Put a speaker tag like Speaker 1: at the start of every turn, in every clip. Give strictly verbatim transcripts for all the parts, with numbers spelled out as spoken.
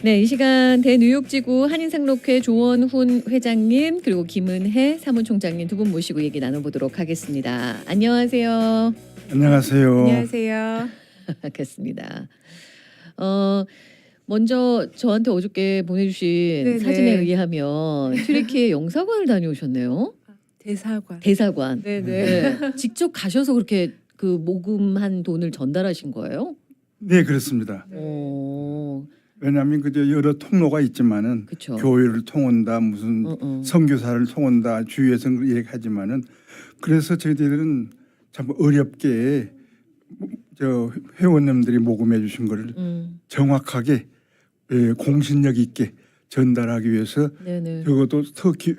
Speaker 1: 네, 이 시간 대뉴욕지구 한인상록회 조원훈 회장님 그리고 김은혜 사무총장님 두 분 모시고 얘기 나눠보도록 하겠습니다. 안녕하세요.
Speaker 2: 안녕하세요.
Speaker 3: 안녕하세요.
Speaker 1: 반갑습니다. 어, 먼저 저한테 어저께 보내주신
Speaker 3: 네네.
Speaker 1: 사진에 의하면 튀르키예 영사관을 다녀오셨네요.
Speaker 3: 대사관.
Speaker 1: 대사관.
Speaker 3: 네네.
Speaker 1: 네, 직접 가셔서 그렇게 그 모금한 돈을 전달하신 거예요?
Speaker 2: 네, 그렇습니다.
Speaker 3: 네.
Speaker 1: 어,
Speaker 2: 왜냐하면 그저 여러 통로가 있지만은
Speaker 1: 그렇죠.
Speaker 2: 교회를 통한다, 무슨
Speaker 1: 어, 어.
Speaker 2: 선교사를 통한다, 주위에서 얘기하지만은 그래서 저희들은 참 어렵게 저 회원님들이 모금해 주신 거를
Speaker 1: 음,
Speaker 2: 정확하게 예, 공신력 있게 전달하기 위해서
Speaker 1: 네네.
Speaker 2: 적어도 터키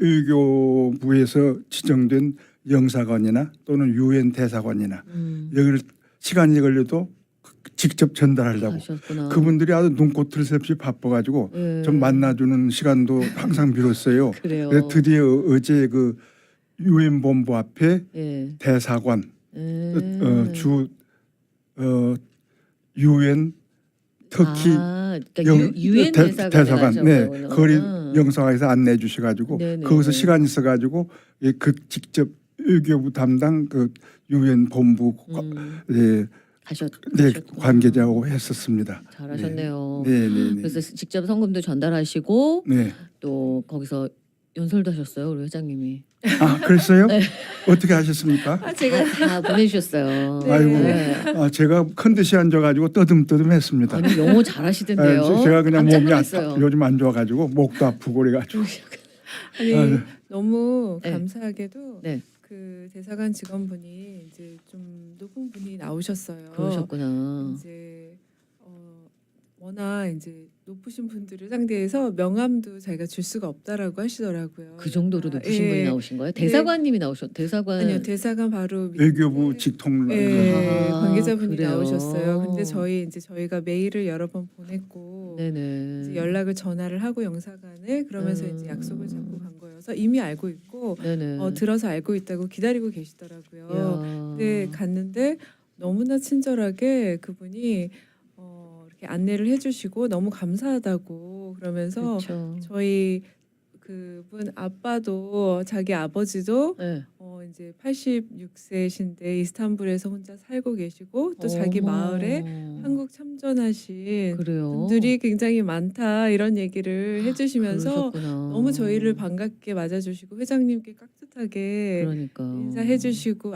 Speaker 2: 외교부에서 지정된 영사관이나 또는 유엔 대사관이나
Speaker 1: 음,
Speaker 2: 여기를 시간이 걸려도 직접 전달하려고
Speaker 1: 하셨구나.
Speaker 2: 그분들이 아주 눈꽃 틀 새 없이 바빠가지고
Speaker 1: 예.
Speaker 2: 좀 만나주는 시간도 항상 빌었어요.
Speaker 1: 그래요.
Speaker 2: 그래서 드디어 어제 그 유엔 본부 앞에
Speaker 1: 예.
Speaker 2: 대사관
Speaker 1: 음.
Speaker 2: 어, 주 어, 유엔 터키
Speaker 1: 아, 그러니까
Speaker 2: 영-
Speaker 1: 유, 유엔
Speaker 2: 대-
Speaker 1: 대사관
Speaker 2: 대사관 네 거리
Speaker 1: 음.
Speaker 2: 영상에서 안내해 주셔가지고
Speaker 1: 네네.
Speaker 2: 거기서 시간 있어가지고 예, 그 직접 외교부 담당 그 유엔 본부
Speaker 1: 음.
Speaker 2: 예,
Speaker 1: 가셨,
Speaker 2: 네
Speaker 1: 가셨구나.
Speaker 2: 관계자하고 했었습니다.
Speaker 1: 잘하셨네요.
Speaker 2: 네, 네, 네.
Speaker 1: 그래서 직접 성금도 전달하시고
Speaker 2: 네.
Speaker 1: 또 거기서 연설도 하셨어요, 우리 회장님이.
Speaker 2: 아, 그랬어요?
Speaker 1: 네.
Speaker 2: 어떻게 하셨습니까?
Speaker 3: 아, 제가
Speaker 1: 다, 다 보내주셨어요.
Speaker 3: 네.
Speaker 2: 아이고,
Speaker 1: 네.
Speaker 2: 아, 제가 컨디션 안 좋아가지고 떠듬떠듬했습니다.
Speaker 1: 아니 영어 잘하시던데요.
Speaker 2: 아, 제가 그냥
Speaker 1: 깜짝
Speaker 2: 몸이 아,
Speaker 1: 놀랐어요.
Speaker 2: 요즘 안 좋아가지고 목도 아프고 그래가지고.
Speaker 3: 아니
Speaker 2: 아, 네.
Speaker 3: 너무
Speaker 1: 네.
Speaker 3: 감사하게도
Speaker 1: 네.
Speaker 3: 그 대사관 직원분이 이제 좀 높은 분이 나오셨어요.
Speaker 1: 그러셨구나.
Speaker 3: 이제 어, 워낙 이제 높으신 분들을 상대해서 명함도 자기가 줄 수가 없다라고 하시더라고요.
Speaker 1: 그 정도로
Speaker 3: 그러니까,
Speaker 1: 높으신
Speaker 3: 예.
Speaker 1: 분이 나오신 거예요? 대사관님이 나오셨. 대사관.
Speaker 3: 아니요, 대사관 바로 밑에
Speaker 2: 외교부 직통
Speaker 3: 예,
Speaker 1: 아,
Speaker 3: 관계자분이
Speaker 1: 그래요?
Speaker 3: 나오셨어요. 근데 저희 이제 저희가 메일을 여러 번 보냈고
Speaker 1: 네네.
Speaker 3: 이제 연락을 전화를 하고 영사관에 그러면서
Speaker 1: 음.
Speaker 3: 이제 약속을 잡고 간 거여서 이미 알고 있고
Speaker 1: 네네.
Speaker 3: 어, 들어서 알고 있다고 기다리고 계시더라고요.
Speaker 1: 이야.
Speaker 3: 근데 갔는데 너무나 친절하게 그분이 어, 이렇게 안내를 해주시고 너무 감사하다고 그러면서
Speaker 1: 그렇죠.
Speaker 3: 저희 그분 아빠도 자기 아버지도
Speaker 1: 네.
Speaker 3: 어 이제 팔십육 세신데 이스탄불에서 혼자 살고 계시고 또 자기
Speaker 1: 어머.
Speaker 3: 마을에 한국 참전하신
Speaker 1: 그래요.
Speaker 3: 분들이 굉장히 많다 이런 얘기를 해주시면서
Speaker 1: 그러셨구나.
Speaker 3: 너무 저희를 반갑게 맞아주시고 회장님께 깍듯하게
Speaker 1: 그러니까
Speaker 3: 인사해주시고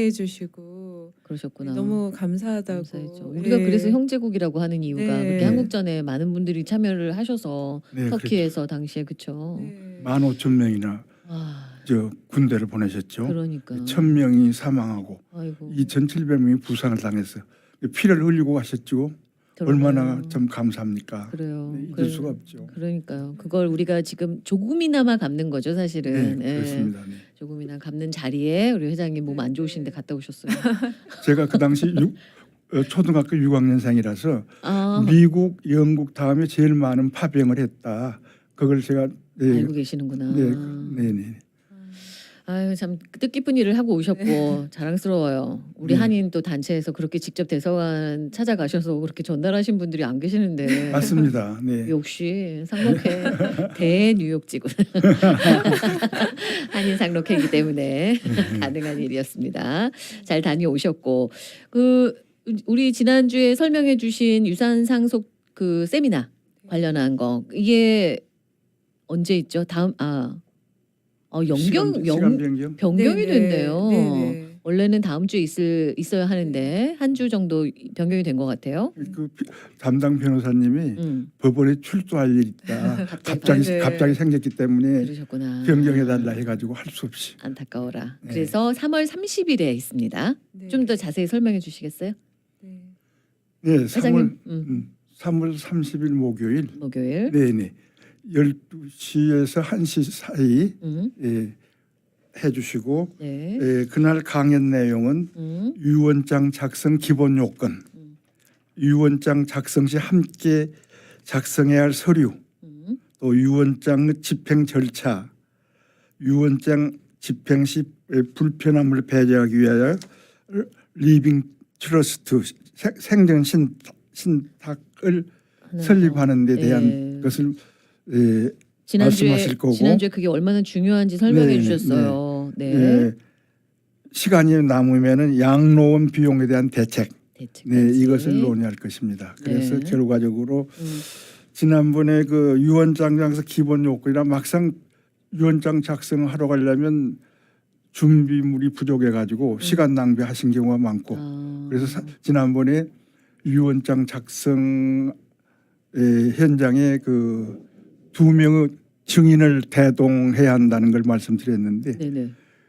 Speaker 3: 안내해주시고
Speaker 1: 그러셨구나.
Speaker 3: 너무 감사하다고.
Speaker 1: 감사했죠. 우리가
Speaker 3: 예.
Speaker 1: 그래서 형제국이라고 하는 이유가
Speaker 3: 네.
Speaker 1: 그렇게 한국전에 많은 분들이 참여를 하셔서
Speaker 2: 네,
Speaker 1: 터키에서 당시에 그쵸.
Speaker 3: 네.
Speaker 2: 만 오천 명이나
Speaker 1: 아,
Speaker 2: 저 군대를 보내셨죠.
Speaker 1: 그러니까.
Speaker 2: 천 명이 사망하고
Speaker 1: 아이고.
Speaker 2: 이천칠백 명이 부상을 당했어요. 피를 흘리고 가셨죠.
Speaker 1: 그러네요.
Speaker 2: 얼마나 좀 감사합니까?
Speaker 1: 그래요.
Speaker 2: 네, 잊을
Speaker 1: 그래-
Speaker 2: 수가 없죠.
Speaker 1: 그러니까요. 그걸 우리가 지금 조금이나마 갚는 거죠, 사실은.
Speaker 2: 네,
Speaker 1: 예.
Speaker 2: 그렇습니다. 네.
Speaker 1: 조금이나 갚는 자리에 우리 회장님 몸 안
Speaker 3: 네,
Speaker 1: 좋으신데
Speaker 3: 네.
Speaker 1: 갔다 오셨어요.
Speaker 2: 제가 그 당시 육, 어, 초등학교 육 학년생이라서
Speaker 1: 아,
Speaker 2: 미국, 영국 다음에 제일 많은 파병을 했다. 그걸 제가 네,
Speaker 1: 알고 계시는구나.
Speaker 2: 네, 네, 네.
Speaker 1: 아유 참 뜻깊은 일을 하고 오셨고 자랑스러워요. 우리
Speaker 2: 네.
Speaker 1: 한인 또 단체에서 그렇게 직접 대사관 찾아가셔서 그렇게 전달하신 분들이 안 계시는데
Speaker 2: 맞습니다. 네.
Speaker 1: 역시 상록회 대뉴욕지구 한인 상록회이기 때문에 가능한 일이었습니다. 잘 다녀오셨고 그 우리 지난주에 설명해주신 유산 상속 그 세미나 관련한 거 이게 언제 있죠? 다음 아 어, 연경
Speaker 2: 시간,
Speaker 1: 영,
Speaker 2: 시간 변경.
Speaker 1: 변경이
Speaker 3: 네네.
Speaker 1: 됐네요.
Speaker 3: 네네.
Speaker 1: 원래는 다음 주에 있을 있어야 하는데 한 주 정도 변경이 된 것 같아요.
Speaker 2: 그 피- 담당 변호사님이
Speaker 1: 음,
Speaker 2: 법원에 출두할 일이 있다. 갑자기
Speaker 3: 네.
Speaker 2: 갑자기 생겼기 때문에
Speaker 1: 그러셨구나.
Speaker 2: 변경해 달라 해가지고 할 수 없이.
Speaker 1: 안타까워라.
Speaker 2: 네.
Speaker 1: 그래서 삼월 삼십일에 있습니다.
Speaker 3: 네.
Speaker 1: 좀 더 자세히 설명해 주시겠어요?
Speaker 3: 네.
Speaker 2: 네,
Speaker 1: 회장님,
Speaker 2: 삼월
Speaker 1: 음,
Speaker 2: 음, 삼월 삼십일 목요일.
Speaker 1: 목요일.
Speaker 2: 네, 네. 열두 시에서 한 시 사이
Speaker 1: 음,
Speaker 2: 예, 해주시고
Speaker 1: 네.
Speaker 2: 예, 그날 강연 내용은
Speaker 1: 음,
Speaker 2: 유언장 작성 기본 요건,
Speaker 1: 음.
Speaker 2: 유언장 작성 시 함께 작성해야 할 서류,
Speaker 1: 음,
Speaker 2: 또 유언장 집행 절차, 유언장 집행 시 불편함을 배제하기 위하여 리빙 트러스트 생전 신, 신탁을
Speaker 1: 하는
Speaker 2: 설립하는 데
Speaker 1: 거.
Speaker 2: 대한
Speaker 1: 예.
Speaker 2: 그것을 에,
Speaker 1: 지난주에
Speaker 2: 말씀하실 거고.
Speaker 1: 지난주에 그게 얼마나 중요한지 설명해
Speaker 2: 네,
Speaker 1: 주셨어요. 네.
Speaker 2: 에, 시간이 남으면은 양로원 비용에 대한 대책,
Speaker 1: 대책까지.
Speaker 2: 네, 이것을 논의할 것입니다. 그래서
Speaker 1: 네.
Speaker 2: 결과적으로
Speaker 1: 음.
Speaker 2: 지난번에 그 유언장에서 기본 요건이라 막상 유언장 작성하러 가려면 준비물이 부족해 가지고 시간 낭비하신 경우가 많고
Speaker 1: 아.
Speaker 2: 그래서 사, 지난번에 유언장 작성 에, 현장에 그 두 명의 증인을 대동해야 한다는 걸 말씀드렸는데
Speaker 1: 네네.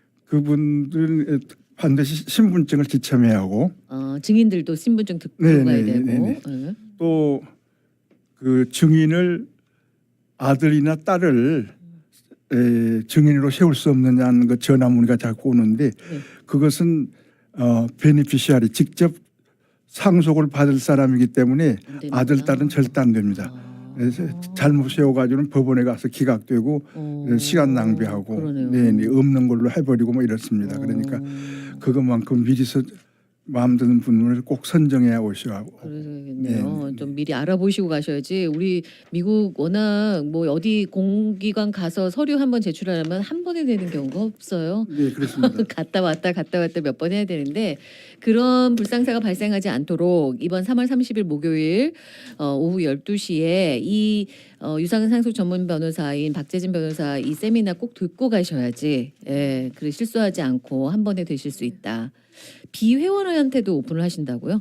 Speaker 2: 그분들은 반드시 신분증을 지참해야 하고
Speaker 1: 아, 증인들도 신분증 듣고
Speaker 2: 네,
Speaker 1: 가야
Speaker 2: 네,
Speaker 1: 되고.
Speaker 2: 네, 네.
Speaker 1: 네.
Speaker 2: 또 그 증인을 아들이나 딸을 에, 증인으로 세울 수 없느냐는 그 전화 문의가 자꾸 오는데
Speaker 1: 네.
Speaker 2: 그것은 어, 베니피시아리 직접 상속을 받을 사람이기 때문에
Speaker 1: 안 되는구나.
Speaker 2: 아들 딸은 절대 안 됩니다.
Speaker 1: 아.
Speaker 2: 그래서 잘못 세워가지고는 법원에 가서 기각되고
Speaker 1: 어.
Speaker 2: 시간 낭비하고
Speaker 1: 그러네요.
Speaker 2: 네, 네, 없는 걸로 해버리고 뭐 이렇습니다. 그러니까
Speaker 1: 어.
Speaker 2: 그것만큼 미리서 마음 드는 분을 꼭 선정해야 오셔야
Speaker 1: 그러겠네요.
Speaker 2: 네.
Speaker 1: 좀 미리 알아보시고 가셔야지. 우리 미국 워낙 뭐 어디 공기관 가서 서류 한번 제출하려면 한 번에 되는 경우가 없어요.
Speaker 2: 네, 그렇습니다.
Speaker 1: 갔다 왔다 갔다 왔다 몇 번 해야 되는데 그런 불상사가 발생하지 않도록 이번 삼월 삼십일 목요일 어, 오후 열두 시에 이 어, 유상은 상속 전문 변호사인 박재진 변호사 이 세미나 꼭 듣고 가셔야지. 예, 그래 실수하지 않고 한 번에 되실 수 있다. 비회원한테도 오픈을 하신다고요?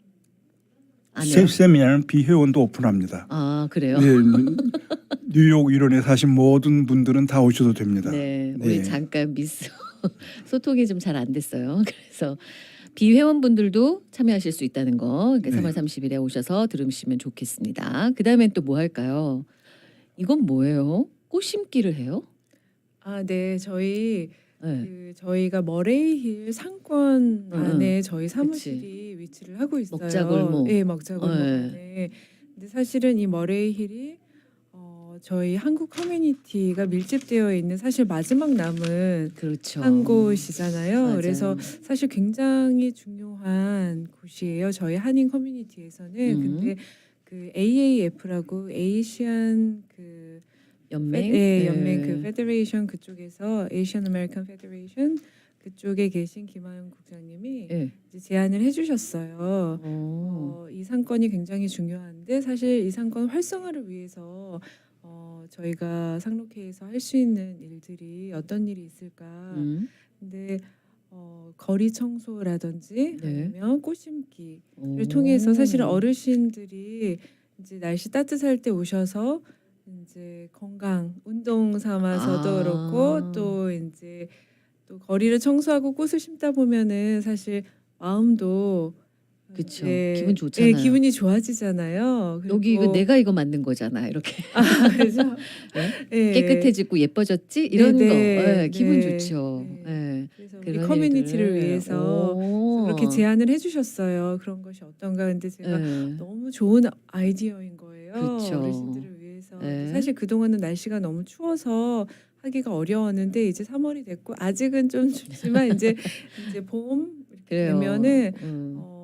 Speaker 1: 안 해요?
Speaker 2: 세미나는 비회원도 오픈합니다.
Speaker 1: 아 그래요?
Speaker 2: 네, 뉴욕 일원에 사신 모든 분들은 다 오셔도 됩니다.
Speaker 1: 네, 우리
Speaker 2: 네.
Speaker 1: 잠깐 미스 소통이 좀 잘 안 됐어요. 그래서 비회원분들도 참여하실 수 있다는 거. 그러니까
Speaker 2: 네.
Speaker 1: 삼월 삼십일에 오셔서 들으시면 좋겠습니다. 그 다음엔 또 뭐 할까요? 이건 뭐예요? 꽃 심기를 해요?
Speaker 3: 아, 네. 저희
Speaker 1: 네.
Speaker 3: 그 저희가 머레이힐 상권
Speaker 1: 응,
Speaker 3: 안에 저희 사무실이 위치를 하고 있어요.
Speaker 1: 먹자골목.
Speaker 3: 네, 먹자골목
Speaker 1: 네.
Speaker 3: 안에. 근데 사실은 이 머레이힐이 어, 저희 한국 커뮤니티가 밀집되어 있는 사실 마지막 남은
Speaker 1: 그렇죠.
Speaker 3: 한 곳이잖아요.
Speaker 1: 맞아요.
Speaker 3: 그래서 사실 굉장히 중요한 곳이에요. 저희 한인 커뮤니티에서는.
Speaker 1: 음.
Speaker 3: 근데 그 에이에이에프라고 에이시안 그
Speaker 1: 연맹.
Speaker 3: 네,
Speaker 1: 네.
Speaker 3: 연맹 그 페더레이션 그쪽에서 에이시안 아메리칸 페더레이션 그쪽에 계신 김하영 국장님이
Speaker 1: 네.
Speaker 3: 이제 제안을 해주셨어요.
Speaker 1: 어.
Speaker 3: 어, 이 상권이 굉장히 중요한데 사실 이 상권 활성화를 위해서 어, 저희가 상록회에서 할 수 있는 일들이 어떤 일이 있을까?
Speaker 1: 음.
Speaker 3: 근데 어, 거리 청소라든지
Speaker 1: 네.
Speaker 3: 아니면 꽃 심기를
Speaker 1: 오.
Speaker 3: 통해서 사실은 어르신들이 이제 날씨 따뜻할 때 오셔서 이제 건강 운동 삼아서도
Speaker 1: 아.
Speaker 3: 그렇고 또 이제 또 거리를 청소하고 꽃을 심다 보면은 사실 마음도
Speaker 1: 그쵸.
Speaker 3: 이제
Speaker 1: 기분 좋잖아요.
Speaker 3: 네, 기분이 좋아지잖아요.
Speaker 1: 여기 이거
Speaker 3: 그리고-
Speaker 1: 내가 이거 만든 거잖아. 이렇게
Speaker 3: 아, 그죠? 네.
Speaker 1: 깨끗해지고 예뻐졌지 이런
Speaker 3: 네,
Speaker 1: 거
Speaker 3: 네,
Speaker 1: 예, 기분
Speaker 3: 네,
Speaker 1: 좋죠.
Speaker 3: 네.
Speaker 1: 예.
Speaker 3: 그래서 우리
Speaker 1: 그런
Speaker 3: 커뮤니티를
Speaker 1: 일들을.
Speaker 3: 위해서
Speaker 1: 오.
Speaker 3: 그렇게 제안을 해주셨어요. 그런 것이 어떤가. 근데 제가
Speaker 1: 예.
Speaker 3: 너무 좋은 아이디어인 거예요.
Speaker 1: 그쵸.
Speaker 3: 어르신들을 위해서.
Speaker 1: 네.
Speaker 3: 사실 그동안은 날씨가 너무 추워서 하기가 어려웠는데 이제 삼월이 됐고 아직은 좀 춥지만 이제 이제 봄 이렇게
Speaker 1: 그래요.
Speaker 3: 되면은
Speaker 1: 음.
Speaker 3: 어,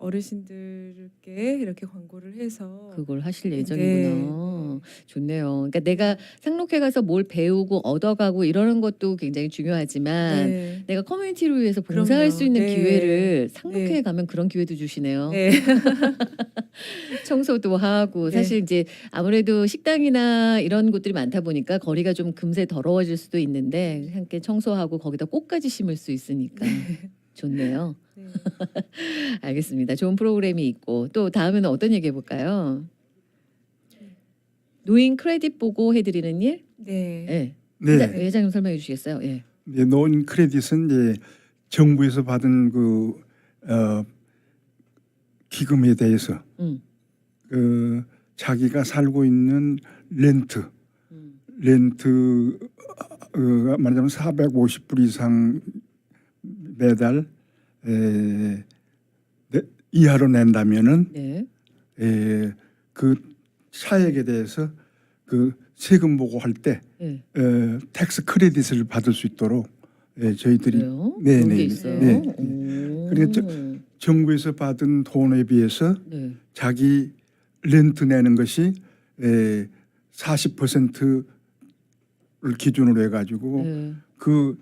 Speaker 3: 어르신들께 이렇게 광고를 해서
Speaker 1: 그걸 하실
Speaker 3: 네,
Speaker 1: 예정이구나.
Speaker 3: 네.
Speaker 1: 좋네요. 그러니까 내가 상록회 가서 뭘 배우고 얻어가고 이러는 것도 굉장히 중요하지만
Speaker 3: 네.
Speaker 1: 내가 커뮤니티를 위해서 봉사할
Speaker 3: 그럼요.
Speaker 1: 수 있는
Speaker 3: 네.
Speaker 1: 기회를 상록회에
Speaker 3: 네.
Speaker 1: 가면 그런 기회도 주시네요.
Speaker 3: 네.
Speaker 1: 청소도 하고
Speaker 3: 네.
Speaker 1: 사실 이제 아무래도 식당이나 이런 곳들이 많다 보니까 거리가 좀 금세 더러워질 수도 있는데 함께 청소하고 거기다 꽃까지 심을 수 있으니까 좋네요.
Speaker 3: 네.
Speaker 1: 알겠습니다. 좋은 프로그램이 있고 또 다음에는 어떤 얘기 해볼까요? 노인 크레딧 보고 해드리는 일?
Speaker 3: 네.
Speaker 1: 네.
Speaker 2: 네,
Speaker 1: 회장, 회장님 설명해 주시겠어요? 예.
Speaker 2: 네, 노인 크레딧은 이제 정부에서 받은 그 어, 기금에 대해서
Speaker 1: 음.
Speaker 2: 그 자기가 살고 있는 렌트,
Speaker 1: 음.
Speaker 2: 렌트 어, 말하자면 사백오십 불 이상 매달 에, 네, 이하로 낸다면은
Speaker 1: 네.
Speaker 2: 에, 그 차액에 대해서 그 세금 보고할 때
Speaker 1: 예.
Speaker 2: 에, 텍스 크레딧을 받을 수 있도록 에, 저희들이
Speaker 1: 그래요?
Speaker 2: 네,
Speaker 1: 그런
Speaker 2: 네,
Speaker 1: 게
Speaker 2: 네.
Speaker 1: 있어요.
Speaker 2: 네.
Speaker 1: 오.
Speaker 2: 그러니까 저- 정부에서 받은 돈에 비해서
Speaker 1: 네.
Speaker 2: 자기 렌트 내는 것이 에, 사십 퍼센트를 기준으로 해가지고
Speaker 1: 네.
Speaker 2: 그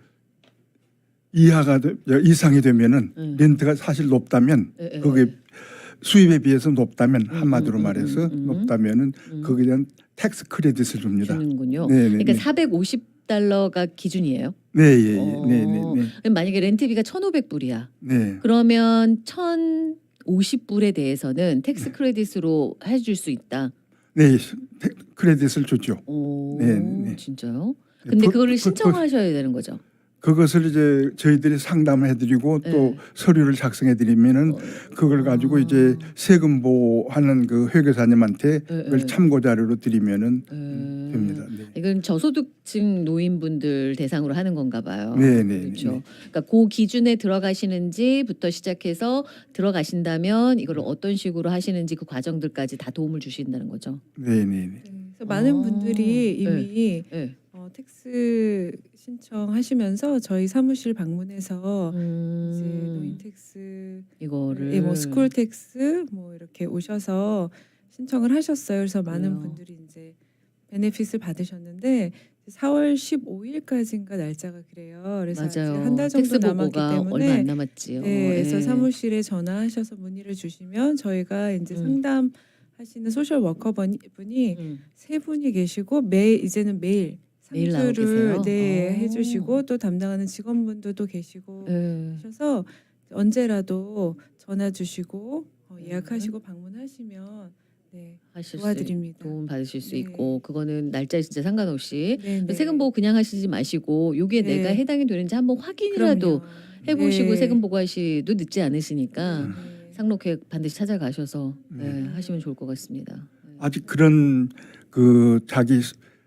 Speaker 2: 이하가 되, 이상이 되면은
Speaker 1: 네.
Speaker 2: 렌트가 사실 높다면
Speaker 1: 네, 네.
Speaker 2: 그게 수입에 비해서 높다면
Speaker 1: 음,
Speaker 2: 한마디로
Speaker 1: 음,
Speaker 2: 말해서
Speaker 1: 음, 음, 음.
Speaker 2: 높다면은
Speaker 1: 음.
Speaker 2: 거기에 대한 텍스 크레딧을 줍니다.
Speaker 1: 주는군요.
Speaker 2: 네, 네,
Speaker 1: 그러니까
Speaker 2: 네.
Speaker 1: 사백오십 달러가 기준이에요.
Speaker 2: 네, 예, 예.
Speaker 1: 어.
Speaker 2: 네, 네, 네.
Speaker 1: 그럼 만약에 렌트비가 천오백 불이야.
Speaker 2: 네.
Speaker 1: 그러면 천오십 불에 대해서는 텍스 크레딧으로 해줄 수 있다.
Speaker 2: 네, 테- 크레딧을 주죠.
Speaker 1: 오,
Speaker 2: 네, 네.
Speaker 1: 진짜요?
Speaker 2: 네,
Speaker 1: 근데
Speaker 2: 그-
Speaker 1: 그거를
Speaker 2: 그-
Speaker 1: 신청하셔야 되는 거죠.
Speaker 2: 그것을 이제 저희들이 상담을 해드리고 또
Speaker 1: 네.
Speaker 2: 서류를 작성해드리면은
Speaker 1: 어,
Speaker 2: 그걸 가지고
Speaker 1: 아.
Speaker 2: 이제 세금 보호하는 그 회계사님한테
Speaker 1: 네,
Speaker 2: 그걸
Speaker 1: 네.
Speaker 2: 참고 자료로 드리면은
Speaker 1: 음.
Speaker 2: 됩니다. 네.
Speaker 1: 이건 저소득층 노인분들 대상으로 하는 건가 봐요.
Speaker 2: 네, 네,
Speaker 1: 그렇죠.
Speaker 2: 네.
Speaker 1: 그러니까 그 기준에 들어가시는지부터 시작해서 들어가신다면 이걸 어떤 식으로 하시는지 그 과정들까지 다 도움을 주신다는 거죠.
Speaker 2: 네, 네, 네.
Speaker 3: 네, 그래서 많은
Speaker 1: 아,
Speaker 3: 분들이 이미
Speaker 1: 네.
Speaker 3: 어, 텍스 신청하시면서 저희 사무실 방문해서 이제
Speaker 1: 음,
Speaker 3: 노인 텍스,
Speaker 1: 이거를
Speaker 3: 예, 뭐 스쿨 텍스 뭐 이렇게 오셔서 신청을 하셨어요. 그래서 많은
Speaker 1: 그래요.
Speaker 3: 분들이 이제 베네핏을 받으셨는데 사월 십오일까지인가 날짜가 그래요. 그래서 아직
Speaker 1: 맞아요.
Speaker 3: 한 달 정도
Speaker 1: 텍스
Speaker 3: 남았기
Speaker 1: 보고가 얼마 안
Speaker 3: 때문에
Speaker 1: 남았지요.
Speaker 3: 네, 그래서
Speaker 1: 예.
Speaker 3: 사무실에 전화하셔서 문의를 주시면 저희가 이제
Speaker 1: 음.
Speaker 3: 상담하시는 소셜 워커 분- 분이
Speaker 1: 음.
Speaker 3: 세 분이 계시고 매 이제는 매일
Speaker 1: 매일 나오
Speaker 3: 상주를
Speaker 1: 계세요?
Speaker 3: 네,
Speaker 1: 어.
Speaker 3: 해주시고 또 담당하는 직원분들도 계시고
Speaker 1: 예.
Speaker 3: 하셔서 언제라도 전화 주시고 어, 예약하시고
Speaker 1: 음.
Speaker 3: 방문하시면 네,
Speaker 1: 하실 수
Speaker 3: 도와드립니다.
Speaker 1: 도움 받으실 수
Speaker 3: 네.
Speaker 1: 있고 그거는 날짜에 진짜 상관없이
Speaker 3: 네, 네.
Speaker 1: 세금 보고 그냥 하시지 마시고 요게
Speaker 3: 네.
Speaker 1: 내가 해당이 되는지 한번 확인이라도
Speaker 3: 그럼요.
Speaker 1: 해보시고
Speaker 3: 네.
Speaker 1: 세금 보고 하시도 늦지 않으시니까
Speaker 3: 네.
Speaker 1: 상록회 반드시 찾아가셔서 네,
Speaker 2: 네.
Speaker 1: 하시면 좋을 것 같습니다. 네.
Speaker 2: 아직 그런 그 자기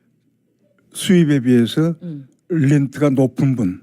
Speaker 2: 수입에 비해서
Speaker 1: 음.
Speaker 2: 렌트가 높은 분,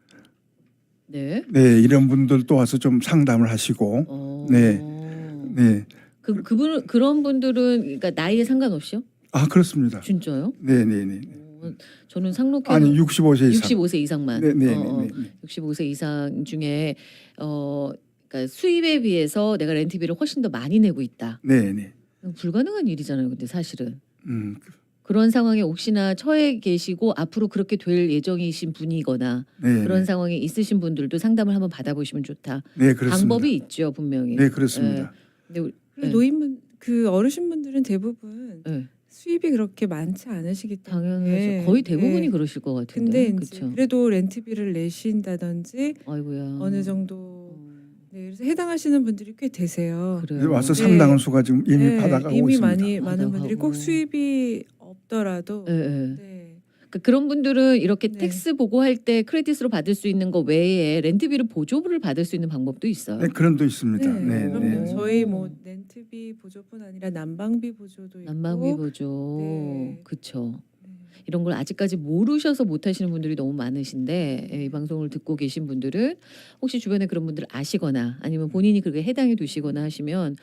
Speaker 1: 네.
Speaker 2: 네 이런 분들도 와서 좀 상담을 하시고,
Speaker 1: 어.
Speaker 2: 네. 네,
Speaker 1: 그 그분 그런 분들은 그러니까 나이에 상관없이요?
Speaker 2: 아 그렇습니다.
Speaker 1: 진짜요?
Speaker 2: 네, 네, 네.
Speaker 1: 어, 저는 상록회
Speaker 2: 아니 육십오 세 이상.
Speaker 1: 육십오 세 이상만.
Speaker 2: 네, 네,
Speaker 1: 어, 어.
Speaker 2: 네, 네.
Speaker 1: 육십오 세 이상 중에 어 그러니까 수입에 비해서 내가 렌트비를 훨씬 더 많이 내고 있다.
Speaker 2: 네, 네.
Speaker 1: 불가능한 일이잖아요. 근데 사실은
Speaker 2: 음,
Speaker 1: 그런 상황에 혹시나 처해 계시고 앞으로 그렇게 될 예정이신 분이거나
Speaker 2: 네,
Speaker 1: 그런
Speaker 2: 네.
Speaker 1: 상황에 있으신 분들도 상담을 한번 받아보시면 좋다.
Speaker 2: 네, 그렇습니다.
Speaker 1: 방법이 있죠, 분명히.
Speaker 2: 네, 그렇습니다.
Speaker 1: 근데 우리,
Speaker 3: 그리고
Speaker 1: 네.
Speaker 3: 노인분 그 어르신분들은 대부분
Speaker 1: 네,
Speaker 3: 수입이 그렇게 많지 않으시기 때문에
Speaker 1: 당연하죠. 거의 대부분이
Speaker 3: 네.
Speaker 1: 그러실 것
Speaker 3: 근데
Speaker 1: 같은데.
Speaker 3: 이제
Speaker 1: 그렇죠.
Speaker 3: 그래도 렌트비를 내신다든지
Speaker 1: 아이고야.
Speaker 3: 어느 정도
Speaker 1: 음,
Speaker 3: 네, 그래서 해당하시는 분들이 꽤 되세요.
Speaker 1: 그래요.
Speaker 2: 와서
Speaker 3: 네.
Speaker 2: 상당한 수가 지금 이미
Speaker 3: 네,
Speaker 2: 받아가고
Speaker 3: 이미
Speaker 2: 있습니다.
Speaker 3: 많이 많은 분들이
Speaker 1: 받아가고.
Speaker 3: 꼭 수입이 없더라도
Speaker 1: 예, 예.
Speaker 3: 네.
Speaker 1: 그러니까 그런 분들은 이렇게
Speaker 3: 네.
Speaker 1: 텍스 보고할 때 크레딧으로 받을 수 있는 거 외에 렌트비를 보조를 받을 수 있는 방법도 있어요.
Speaker 2: 네, 그런 도 있습니다.
Speaker 3: 네,
Speaker 2: 네,
Speaker 3: 그럼요.
Speaker 2: 네.
Speaker 3: 저희 뭐 렌트비 보조뿐 아니라 난방비 보조도 있고
Speaker 1: 난방비 보조,
Speaker 3: 네.
Speaker 1: 그쵸.
Speaker 3: 네.
Speaker 1: 이런 걸 아직까지 모르셔서 못 하시는 분들이 너무 많으신데 예, 이 방송을 듣고 계신 분들은 혹시 주변에 그런 분들 아시거나 아니면 본인이 그렇게 해당이 되시거나 하시면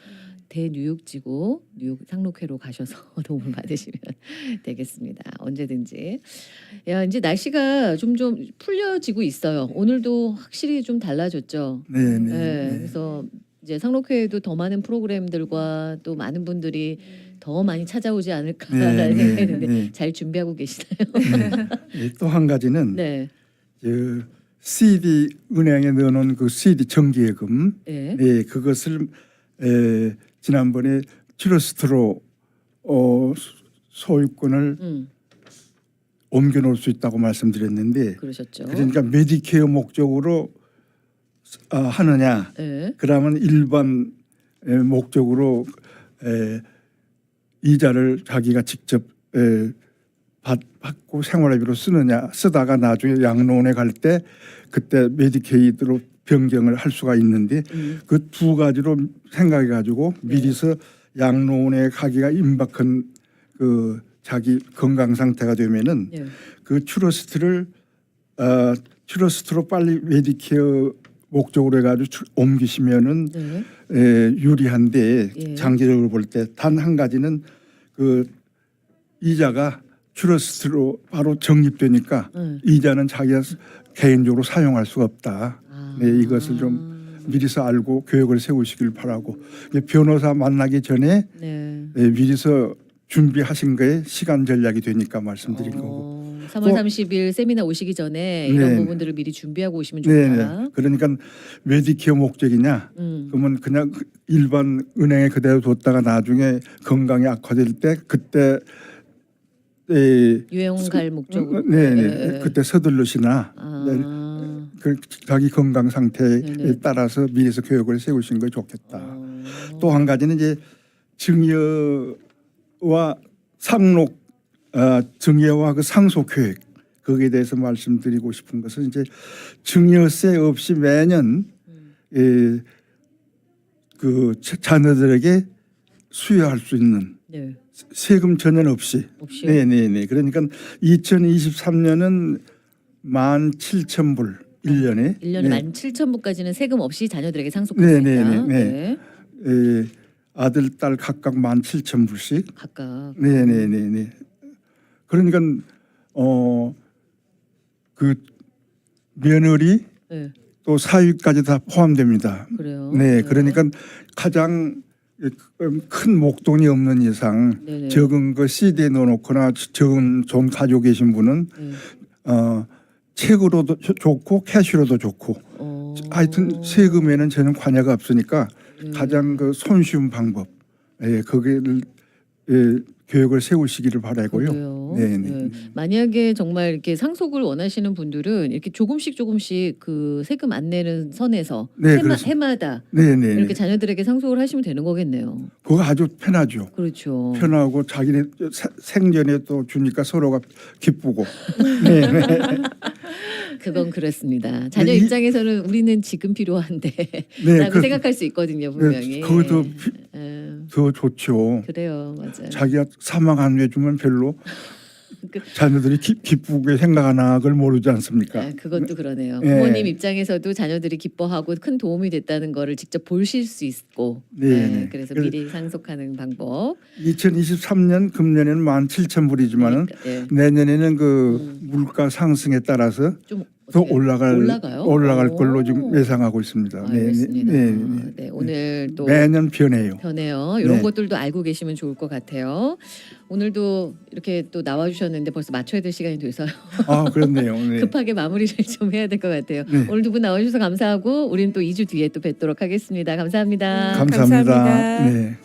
Speaker 1: 대뉴욕지구 뉴욕 상록회로 가셔서 도움을 받으시면 되겠습니다. 언제든지. 야 이제 날씨가 좀 좀 풀려지고 있어요. 오늘도 확실히 좀 달라졌죠.
Speaker 2: 네, 네,
Speaker 1: 네,
Speaker 2: 네.
Speaker 1: 그래서 이제 상록회에도 더 많은 프로그램들과 또 많은 분들이 더 많이 찾아오지 않을까라는
Speaker 2: 네, 네,
Speaker 1: 생각이 드는데
Speaker 2: 네.
Speaker 1: 잘 준비하고 계시나요?
Speaker 2: 또 한 가지는
Speaker 1: 네,
Speaker 2: 그 씨디 은행에 넣어놓은 그 씨디 정기예금,
Speaker 1: 네,
Speaker 2: 네, 그것을 에, 지난번에 트러스트로 어, 소유권을
Speaker 1: 음,
Speaker 2: 옮겨놓을 수 있다고 말씀드렸는데,
Speaker 1: 그러셨죠.
Speaker 2: 그러니까 메디케어 목적으로 아, 하느냐,
Speaker 1: 네,
Speaker 2: 그러면 일반 에, 목적으로 에, 이자를 자기가 직접 에, 받, 받고 생활비로 쓰느냐, 쓰다가 나중에 양로원에 갈 때 그때 메디케이드로 변경을 할 수가 있는데
Speaker 1: 음,
Speaker 2: 그 두 가지로 생각해 가지고
Speaker 1: 네.
Speaker 2: 미리서 양로원에 가기가 임박한 그 자기 건강 상태가 되면은
Speaker 1: 네,
Speaker 2: 그 트러스트를 어, 트러스트로 빨리 메디케어 목적으로 해가지고 출- 옮기시면은
Speaker 1: 네,
Speaker 2: 에, 유리한데
Speaker 1: 예.
Speaker 2: 장기적으로 볼 때 단 한 가지는 그 이자가 트러스트로 바로 적립되니까
Speaker 1: 네.
Speaker 2: 이자는 자기가 개인적으로 사용할 수가 없다.
Speaker 1: 아.
Speaker 2: 네, 이것을 좀 미리서 알고 계획을 세우시길 바라고, 이제 변호사 만나기 전에
Speaker 1: 네,
Speaker 2: 네, 미리서 준비하신 거에 시간 전략이 되니까 말씀드린 거고.
Speaker 1: 어, 삼월
Speaker 2: 또-
Speaker 1: 삼십일 세미나 오시기 전에 이런
Speaker 2: 네.
Speaker 1: 부분들을 미리 준비하고 오시면
Speaker 2: 네,
Speaker 1: 좋다.
Speaker 2: 네. 그러니까 메디케어 목적이냐?
Speaker 1: 음.
Speaker 2: 그러면 그냥 일반 은행에 그대로 뒀다가 나중에 건강이 악화될 때 그때 에,
Speaker 1: 유행 갈 목적으로.
Speaker 2: 네, 네.
Speaker 1: 예, 예.
Speaker 2: 그때 서둘러시나
Speaker 1: 아.
Speaker 2: 그 자기 건강 상태에
Speaker 1: 네네.
Speaker 2: 따라서 미리서 교육을 세우신 게 좋겠다.
Speaker 1: 어.
Speaker 2: 또 한 가지는 이제 증여와 상록 어, 증여와 그 상속 교육 거기에 대해서 말씀드리고 싶은 것은 이제 증여세 없이 매년
Speaker 1: 음.
Speaker 2: 예, 그 자- 자녀들에게 수여할 수 있는
Speaker 1: 네.
Speaker 2: 세금 전혀 없이.
Speaker 1: 없이.
Speaker 2: 네, 네, 네. 그러니까 이천이십삼 년은 만 칠천 불 일 년에.
Speaker 1: 일 년에
Speaker 2: 네.
Speaker 1: 만 칠천 불까지는 세금 없이 자녀들에게 상속할 수
Speaker 2: 네,
Speaker 1: 있다.
Speaker 2: 네, 네, 에, 아들, 딸 각각 만 칠천 불씩.
Speaker 1: 각각.
Speaker 2: 네, 네, 네, 네. 그러니까 어 그 며느리
Speaker 1: 네.
Speaker 2: 또 사위까지 다 포함됩니다.
Speaker 1: 그래요.
Speaker 2: 네, 그러니까 가장 큰 목돈이 없는 이상
Speaker 1: 네네.
Speaker 2: 적은 거 씨디에 넣어놓거나 적은 돈 가지고 계신 분은
Speaker 1: 네.
Speaker 2: 어, 책으로도 좋- 좋고 캐시로도 좋고
Speaker 1: 어.
Speaker 2: 하여튼 세금에는 전혀 관여가 없으니까
Speaker 1: 네.
Speaker 2: 가장 그 손쉬운 방법 예, 거기를 예, 교육을 세우시기를 바라고요.
Speaker 1: 그래요.
Speaker 2: 네, 네.
Speaker 1: 네. 만약에 정말 이렇게 상속을 원하시는 분들은 이렇게 조금씩 조금씩 그 세금 안 내는 선에서
Speaker 2: 네,
Speaker 1: 해마,
Speaker 2: 그렇습니다.
Speaker 1: 해마다
Speaker 2: 네, 네.
Speaker 1: 이렇게
Speaker 2: 네.
Speaker 1: 자녀들에게 상속을 하시면 되는 거겠네요.
Speaker 2: 그거 아주 편하죠.
Speaker 1: 그렇죠.
Speaker 2: 편하고 자기네 세- 생전에 또 주니까 서로가 기쁘고. 네, 네.
Speaker 1: 그건 그렇습니다. 자녀
Speaker 2: 네, 이-
Speaker 1: 입장에서는 우리는 지금 필요한데
Speaker 2: 네,
Speaker 1: 라고
Speaker 2: 그-
Speaker 1: 생각할 수 있거든요. 분명히.
Speaker 2: 그거 더 피-
Speaker 1: 예,
Speaker 2: 더 좋죠.
Speaker 1: 그래요. 맞아요.
Speaker 2: 자기가 사망 안 해주면 별로
Speaker 1: 그-
Speaker 2: 자녀들이 기, 기쁘게 생각하나 그걸 모르지 않습니까?
Speaker 1: 아, 그것도 그러네요.
Speaker 2: 네.
Speaker 1: 부모님 입장에서도 자녀들이 기뻐하고 큰 도움이 됐다는 거를 직접 보실 수 있고
Speaker 2: 네,
Speaker 1: 네,
Speaker 2: 네.
Speaker 1: 그래서
Speaker 2: 그래서-
Speaker 1: 미리 상속하는 방법.
Speaker 2: 이천이십삼 년 금년에는 만 칠천 불이지만은
Speaker 1: 그러니까, 예.
Speaker 2: 내년에는 그
Speaker 1: 음.
Speaker 2: 물가 상승에 따라서
Speaker 1: 좀
Speaker 2: 더
Speaker 1: 어떻게
Speaker 2: 올라갈
Speaker 1: 올라가요?
Speaker 2: 올라갈
Speaker 1: 오.
Speaker 2: 걸로 지금 예상하고 있습니다. 네,
Speaker 1: 알겠습니다.
Speaker 2: 네,
Speaker 1: 네,
Speaker 2: 네, 네.
Speaker 1: 오늘 또
Speaker 2: 매년 변해요.
Speaker 1: 변해요. 이런
Speaker 2: 네.
Speaker 1: 것들도 알고 계시면 좋을 것 같아요. 오늘도 이렇게 또 나와주셨는데 벌써 맞춰야 될 시간이 돼서요.
Speaker 2: 아 그렇네요. 네.
Speaker 1: 급하게 마무리를 좀 해야 될 것 같아요.
Speaker 2: 네.
Speaker 1: 오늘 두 분 나와주셔서 감사하고 우리는 또 이 주 뒤에 또 뵙도록 하겠습니다. 감사합니다.
Speaker 2: 감사합니다.
Speaker 3: 감사합니다.
Speaker 2: 네.